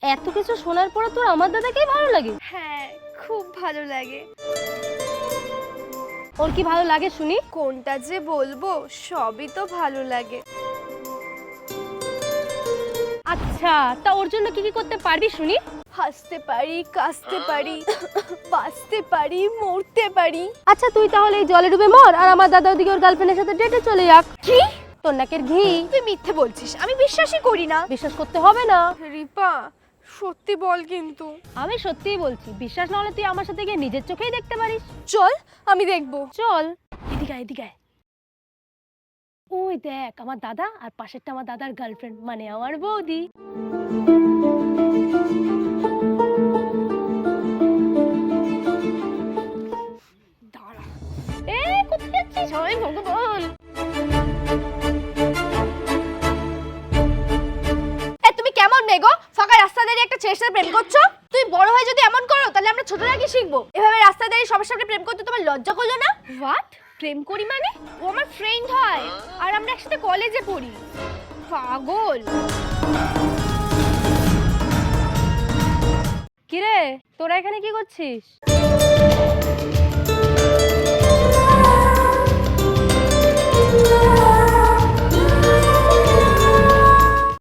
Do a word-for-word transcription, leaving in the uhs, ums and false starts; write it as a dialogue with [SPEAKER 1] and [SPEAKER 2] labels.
[SPEAKER 1] এত কিছু শোনার পরে তোর আমার দাদাকেই ভালো লাগে?
[SPEAKER 2] হ্যাঁ, খুব ভালো লাগে।
[SPEAKER 1] ওর কি ভালো লাগে শুনি?
[SPEAKER 2] কোনটা যে বলবো, সবই তো ভালো লাগে।
[SPEAKER 1] আচ্ছা, তা ওর জন্য কি কি করতে পারবি শুনি?
[SPEAKER 2] হাসতে পারি, কাশতে পারি, বাঁচতে পারি, মরতে পারি।
[SPEAKER 1] আচ্ছা তুই তাহলে এই জলে ডুবে মর, আর আমার দাদা ওদিকে ওর গার্লফ্রেন্ডের সাথে ডেটে চলে যাক।
[SPEAKER 2] কি?
[SPEAKER 1] তোর নাকের ঘি।
[SPEAKER 2] তুই মিথ্যে বলছিস, আমি বিশ্বাসই করি না।
[SPEAKER 1] বিশ্বাস করতে হবে না।
[SPEAKER 2] রিপা, সত্যি বল কিন্তু।
[SPEAKER 1] আমি সত্যিই বলছি, বিশ্বাস না হলে তুই আমার সাথে গিয়ে নিজের চোখেই দেখতে পারিস।
[SPEAKER 2] চল, আমি দেখবো।
[SPEAKER 1] চল, এদিকে আয়, এদিকে আয়। ওই দেখ আমার দাদা, আর পাশেরটা আমার দাদার গার্লফ্রেন্ড, মানে আমার বৌদি। দাঁড়া। এ কোথায় যাচ্ছিস? হায় ভগবান।
[SPEAKER 2] এ তুমি কেমন মেয়ে গো? ফাঁকা রাস্তা দাঁড়িয়ে একটা ছেলের সাথে প্রেম করছো? তুই বড় হয়ে যদি এমন করো, তাহলে আমরা ছোটরা কি শিখবো? এভাবে রাস্তা দাঁড়িয়ে সবার সামনে প্রেম করতে তোমার লজ্জা করলো না?
[SPEAKER 1] হোয়াট? প্রেম করি মানে?
[SPEAKER 2] ও আমার ফ্রেন্ড হয়, আর আমরা একসাথে কলেজে পড়ি। পাগল।
[SPEAKER 1] কিরে, তোরা এখানে কি করছিস?